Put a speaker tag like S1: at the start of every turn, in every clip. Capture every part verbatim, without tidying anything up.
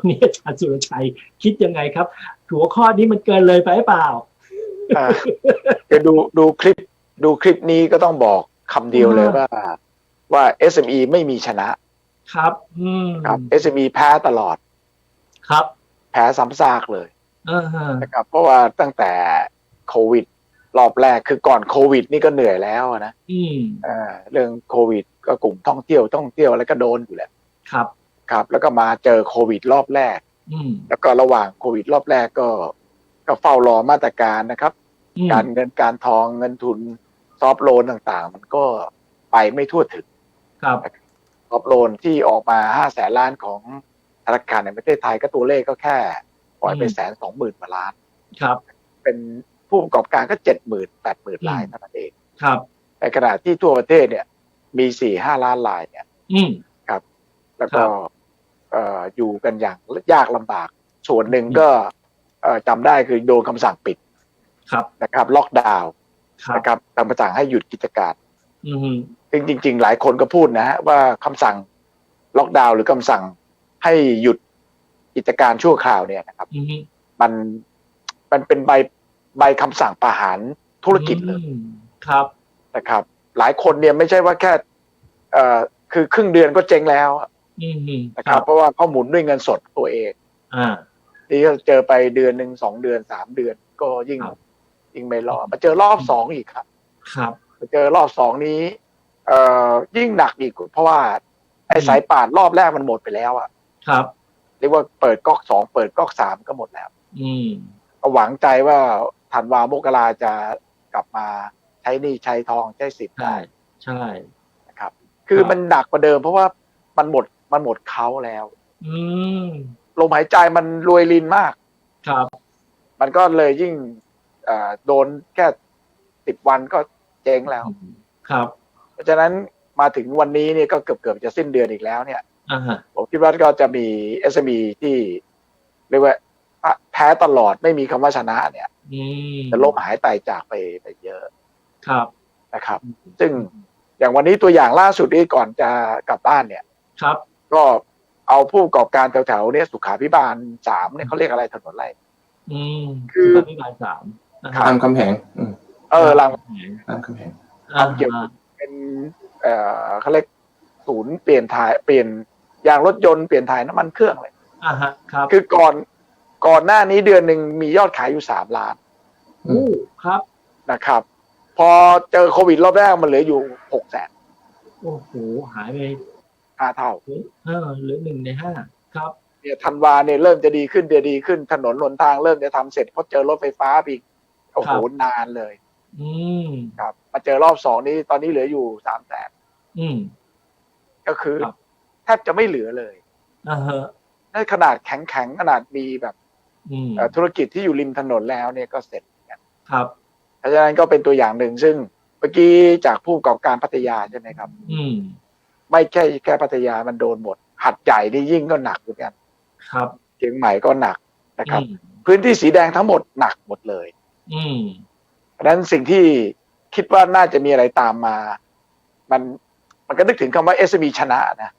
S1: รงนี้อาจารย์สุรชัยคิดยังไงครับหัวข้อนี้มันเกินเลยไปหรือเปล่า
S2: จะดูดูคลิปดูคลิปนี้ก็ต้องบอกคำเดียวเลยว่าว่า เอส เอ็ม อี ไม่มีชนะครับ
S1: อืม
S2: ครับ เอส เอ็ม อี แพ้ตลอด
S1: ครับ
S2: แพ้ซ้ำซากเลย
S1: อ่าฮะ
S2: นะครับเพราะว่าตั้งแต่โควิดรอบแรกคือก่อนโควิดนี่ก็เหนื่อยแล้วนะ
S1: อืม
S2: อ่าเรื่องโควิดก็กลุ่มท่องเที่ยวท่องเที่ยวอะไรก็โดนอยู่แล้ว
S1: ครับ
S2: ครับแล้วก็มาเจอโควิดรอบแรก
S1: อืม
S2: แล้วก็ระหว่างโควิดรอบแรกก็ก็เฝ้ารอมาตรการนะครับการเงินการทองเงินทุนซอฟท์โลนต่างๆมันก็ไปไม่ทั่วถึง
S1: ครับ
S2: ซอฟท์โลนที่ออกมาห้าแสนล้านของธนาคารในประเทศไทยก็ตัวเลขก็แค่ปล่อยไปแสนสองหมื่นกว่าล้าน
S1: ครับ
S2: เป็นผู้ประกอบการก็เจ็ดหมื่นแปดหมื่นรายเท่านั้นเอง
S1: ครับ
S2: ในขณะที่ทั่วประเทศเนี่ยมีสี่ห้าล้านรายเนี่ยครับแล้วก็เอ่ออยู่กันอย่างยากลำบากส่วนหนึ่งก็เอ่อจำได้คือโดนคำสั่งปิดนะครับล็อกดาวน์นะครับคำสั่งให้หยุดกิจการซึ่งจริงๆหลายคนก็พูดนะฮะว่าคำสั่งล็อกดาวน์หรือคำสั่งให้หยุดกิจการชั่วคราวเนี่ยนะครับมันมันเป็นใบใบคำสั่งประหารธุรกิจเลย
S1: ครับ
S2: นะครับหลายคนเนี่ยไม่ใช่ว่าแค่เอ่อคือครึ่งเดือนก็เจ๊งแล้วนะครับเพราะว่าเขาหมุนด้วยเงินสดตัวเอง
S1: อ่า
S2: ที่เจอไปเดือนหนึ่งสองเดือนสามเดือนก็ยิ่งยิ่งไม่รอดมาเจอรอบสองอีกครับ
S1: ครับ
S2: มาเจอรอบสองนี้เอ่อยิ่งหนักอีกเพราะว่าไอ้สายป่านรอบแรกมันหมดไปแล้วอ่ะ
S1: ครับ
S2: เรียกว่าเปิดก๊อกสองเปิดก๊อกสามก็หมดแล้ว
S1: อืม
S2: ก็หวังใจว่าธันวามกราจะกลับมาใช้หนี้ใช้ทองใช้สิทธิ์ได้
S1: ใช่
S2: นะครับคือมันหนักกว่าเดิมเพราะว่ามันหมดมันหมดเขาแล้ว
S1: อืม
S2: ลมหายใจมันรวยรินมาก
S1: ครับ
S2: มันก็เลยยิ่งโดนแค่สิบวันก็เจ๊งแล้ว
S1: ครับ
S2: เพราะฉะนั้นมาถึงวันนี้เนี่ยก็เกือบเกือบจะสิ้นเดือนอีกแล้วเนี่ยผมคิดว่าก็จะมี เอส เอ็ม อี ที่เรียกว่าแพ้ตลอดไม่มีคำว่าชนะเนี่ยจะล้มหายตายจากไปไปเยอะ
S1: ครับ
S2: นะครับซึ่งอย่างวันนี้ตัวอย่างล่าสุดนี้ก่อนจะกลับบ้านเนี่ย
S1: ครับ
S2: ก็เอาผู้ประกอบการแถวๆเนี่ยสุขาภิบาลสามเนี่ยเขาเรียกอะไรถนนอะไร
S1: อืมคือสุขาภิบาลสาม
S3: รามคำแหง
S2: เออราม
S3: คำแหงรามคำแหง
S2: ทำเกี่ยวเป็นเอ่อเขาเรียกศูนย์เปลี่ยนถ่ายเปลี่ยนยางรถยนต์เปลี่ยนถ่ายน้ำมันเครื่องเลย
S1: อ่าฮะครับ
S2: คือก่อนก่อนหน้านี้เดือนหนึ่งมียอดขายอยู่สามล้าน
S1: อู้ครับ
S2: นะครับพอเจอโควิดรอบแรกมันเหลืออยู่หกแสน
S1: โอ้โหหายไป
S2: ห้าเท่า
S1: เออเหลือหนึ่งในห้าครับ
S2: เนี่ยธันวาเนี่ยเริ่มจะดีขึ้นเดือนดีขึ้นถนนหนทางเริ่มจะทำเสร็จเพราะเจอรถไฟฟ้าอีกโอ้โหนานเลย
S1: อืม
S2: ครับมาเจอรอบสองนี้ตอนนี้เหลืออยู่สามแสน
S1: อืม
S2: ก็คือแทบจะไม่เหลือเลย
S1: อ่าฮะ
S2: ในขนาดแข็งๆขนาดมีแบบธุรกิจที่อยู่ริมถนนแล้วเนี่ยก็เสร็จ
S1: ครับ
S2: เพราะฉะนั้นก็เป็นตัวอย่างหนึ่งซึ่งเมื่อกี้จากผู้ประกอบการพัทยาใช่ไหมครับ
S1: อืม
S2: ไม่แค่แค่พัทยามันโดนหมดหัดใหญ่นี่ยิ่งก็หนักเหมือนกัน
S1: ครับ
S2: เชียงใหม่ก็หนักนะครับพื้นที่สีแดงทั้งหมดหนักหมดเลย
S1: อืม
S2: เพราะฉะนั้นสิ่งที่คิดว่าน่าจะมีอะไรตามมามันมันก็นึกถึงคำว่า เอส เอ็ม อี ชนะนะ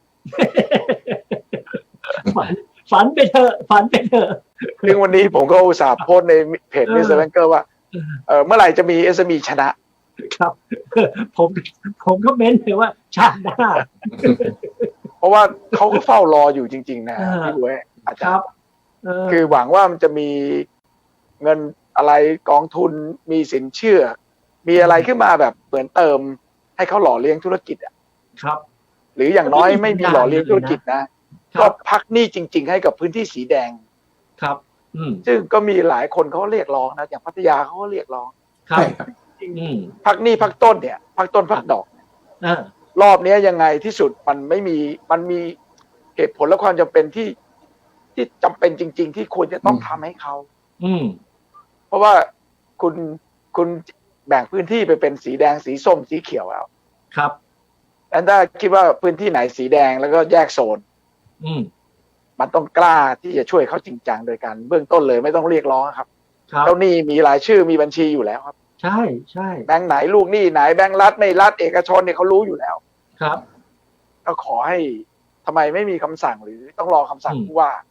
S1: ฝันฝันไปเถอะฝันไปเถอะ
S2: ซึ่งวันนี้ผมก็อุตส่าห์โพสในเพจมิสเตอร์แบงเกอร์ว่าเออเมื่อไหร่จะมี เอส เอ็ม อี ชนะครับ
S1: ผมผมก็เม้นเลยว่าชาติหน้า
S2: เพราะว่าเขาก็เฝ้ารออยู่จริงๆนะพี่บุ้ยอาจารย์คือหวังว่ามันจะมีเงินอะไรกองทุนมีสินเชื่อมีอะไรขึ้นมาแบบเหมือนเติมให้เขาหล่อเลี้ยงธุรกิจอ่ะ
S1: ครับ
S2: หรืออย่างน้อยไม่มีหล่อเลี้ยงธุรกิจนะก็พักหนี้จริงๆให้กับพื้นที่สีแดง
S1: ครับ
S2: ซึ่งก็มีหลายคนเขาเรียกร้องนะอย่างพัทยาเขาก็เรียกร้อง
S1: ครับ
S2: พักหนี้พักต้นเนี่ยพักต้นพักดอกรอบนี้ยังไงที่สุดมันไม่มีมันมีเหตุผลและความจำเป็นที่ที่จำเป็นจริงๆที่ควรจะต้องทำให้เขาเพราะว่าคุณคุณแบ่งพื้นที่ไปเป็นสีแดงสีส้มสีเขียวแล้ว
S1: ครับ
S2: แล้วถ้าคิดว่าพื้นที่ไหนสีแดงแล้วก็แยกโซนมันต้องกล้าที่จะช่วยเขาจริงจังโดยการเบื้องต้นเลยไม่ต้องเรียกร้องครับเจ้าหนี้มีรายชื่อมีบัญชีอยู่แล้วครับ
S1: ใช่ใช่
S2: แบงค์ไหนลูกหนี้ไหนแบงค์รัฐไม่รัฐเอกชนเนี่ยเขารู้อยู่แล้ว
S1: ครับ
S2: ก็ขอให้ทำไมไม่มีคำสั่งหรือต้องรอคำสั่งผู้ว่า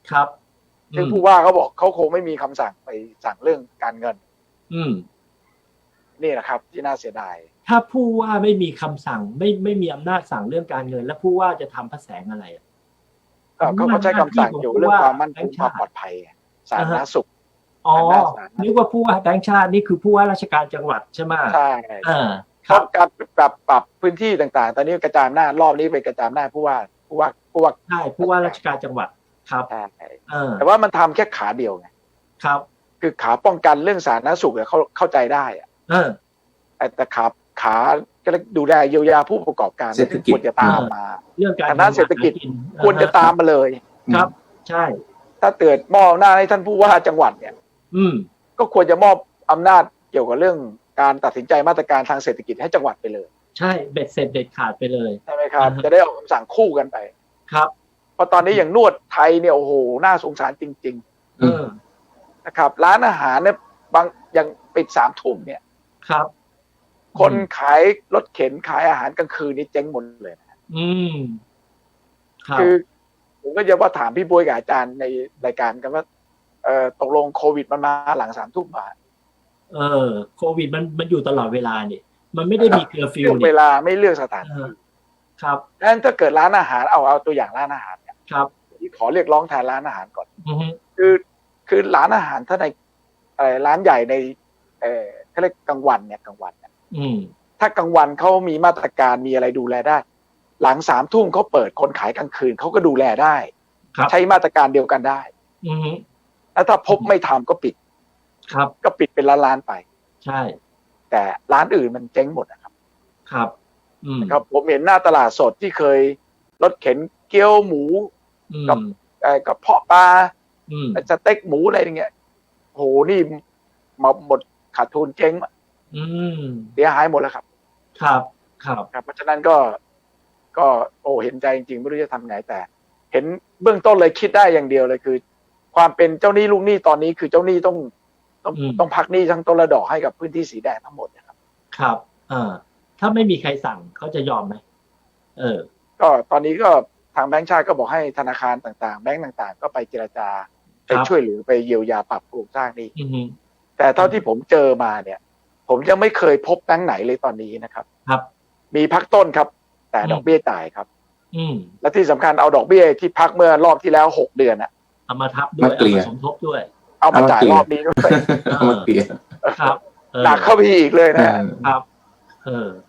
S1: ครับ
S2: ซึ่งผู้ว่าเขาบอกเขาคงไม่มีคำสั่งไปสั่งเรื่องการเงิน
S1: อืม
S2: นี่แหละครับที่น่าเสียดาย
S1: ถ้าผู้ว่าไม่มีคำสั่งไม่ไม่มีอำนาจสั่งเรื่องการเงิน แล้วผู้ว่าจะทำพระแสงอะไรอ่ะ
S2: ก็เขาก็ใช้คำสั่งอยู่เรื่องความมั่นคงความปลอดภัยสาธารณสุข
S1: อ๋อนึกว่าผู้ว่าแบงค์ชาตินี่คือผู้ว่าราชการจังหวัดใช่ไหม
S2: ใช่
S1: อ่า
S2: เพราะการปรับปรับพื้นที่ต่างๆ ตอนนี้กระจายอำนาจรอบนี้เป็นกระจายอำนาจผู้ว่าผู้ว่าผู้ว่า
S1: ใช่ผู้ว่าราชการจังหวัดครับ
S2: ใช่
S1: เออ
S2: แต่ว่ามันทำแค่ขาเดียวไง
S1: ครับ
S2: คือขาป้องกันเรื่องสาธารณสุขเนี่ยเขาเข้าใจได้อะ
S1: เออ
S2: แต่แต่ขาขาก็ดูแลเยียวยาผู้ประกอบการ
S3: เศรษฐกิจ
S2: ควรจะตามมา
S1: เรื่องการ
S2: ทางด้านเศรษฐกิจ
S1: หากิน
S2: ควรจะตามมาเลย
S1: ครับ ใช่
S2: ถ้าเกิดมอบอำนาจให้ท่านผู้ว่าจังหวัดเนี่ย
S1: อืม
S2: ก็ควรจะมอบอำนาจเกี่ยวกับเรื่องการตัดสินใจมาตรการทางเศรษฐกิจให้จังหวัดไปเลย
S1: ใช่เบ็ดเสร็จเด็ดขาดไปเลย
S2: ใช่ไหมครับ
S1: อ่าฮะ
S2: จะได้ออกคำสั่งคู่กันไป
S1: ครับ
S2: เพราะตอนนี้อย่างนวดไทยเนี่ยโอ้โหน่าสงสารจริง
S1: เออ
S2: ๆนะครับร้านอาหารเนี่ยบางยังปิดสามทุ่มเนี่ย
S1: ครับ
S2: คนขายรถเข็นขายอาหารกลางคืนนี่เจ๊งหมดเลยนะ
S1: อืมครับ
S2: คือผมก็จะว่าถามพี่บวยกับอาจารย์ในรายการกันว่าเอ่อตกลงโควิดมันมาหลังสามทุ่มมา
S1: เออโควิดมันมันอยู่ตลอดเวลานี่มันไม่ได้มีเคอร์ฟิว
S2: เลือก
S1: นี่
S2: เวลาไม่เลือกสถาน
S1: เอ
S2: ที่
S1: อครับ
S2: ดังนั้นถ้าเกิดร้านอาหารเอาเอาตัวอย่างร้านอาหารเนี่ย
S1: ครับ
S2: ขอเรียกร้องแทนร้านอาหารก่อน
S1: อือฮึ
S2: คือคือร้านอาหารถ้าในเอ่อร้านใหญ่ในเอ่อเขาเรียกกลางวันเนี่ยกลางวันเนี่ย
S1: อืม
S2: ถ้ากลางวันเขามีมาตรการมีอะไรดูแลได้ หลังสามทุ่มเขาเปิดคนขายกลางคืนเขาก็ดูแลได้
S1: ครับ
S2: ใช้มาตรการเดียวกันได้
S1: อือฮึ
S2: แล้วถ้าพบไม่ทำก็ปิด
S1: ครับ
S2: ก็ปิดเป็นร้านๆไป
S1: ใช่
S2: แต่ร้านอื่นมันเจ๊งหมดนะครับ
S1: ครับ อืม
S2: ครับผมเห็นหน้าตลาดสดที่เคยรถเข็นเกี๊ยวหมู
S1: อืม
S2: กับ เอ่อกระเพาะปลา
S1: อืม
S2: สเต็กหมูอะไรอย่างเงี้ยโหนี่มาหมดขาดทุนเจ๊ง
S1: อืม
S2: เสียหายหมดแล้วครับ
S1: ครับครับ
S2: ครับ เพราะฉะนั้นก็ก็โอ้เห็นใจจริงๆไม่รู้จะทำไงแต่ เห็นเบื้องต้นเลยคิดได้อย่างเดียวเลยคือ ความเป็นเจ้าหนี้ลูกหนี้ตอนนี้คือเจ้าหนี้ต้องต้องต้องพักหนี้ทั้งต้นและดอกให้กับพื้นที่สีแดงทั้งหมดนะครับ
S1: ครับเออถ้าไม่มีใครสั่งเขาจะยอมไหมเออ
S2: ก็ตอนนี้ก็ทางแบงก์ชาติก็บอกให้ธนาคารต่างๆ แบงก์ต่างๆ ก็ไปเจรจาไปช่วยเหลือไปเยียวยาปรับโครงสร้างหนี้
S1: อือฮึ
S2: แต่เท่าที่ผมเจอมาเนี่ย ผมยังไม่เคยพบแบงก์ไหนเลยตอนนี้นะครับ
S1: ครับ
S2: มีพักต้นครับ แต่
S1: อืม
S2: ดอกเบี้ยจ่ายครับ
S1: อืม
S2: และที่สำคัญเอาดอกเบี้ยที่พักเมื่อรอบที่แล้วหกเดือนอะ
S1: เอามาทับด้วย
S3: มาเกลี่
S1: เอา
S3: ย
S1: มาสมทบด้วย
S2: เอามาจ่ายรอบนี้ด้วย
S3: เอามาเกลี่ย
S1: ครับเออ
S2: หนักเข้าไปอีกเลยนะ
S1: ครับ เออ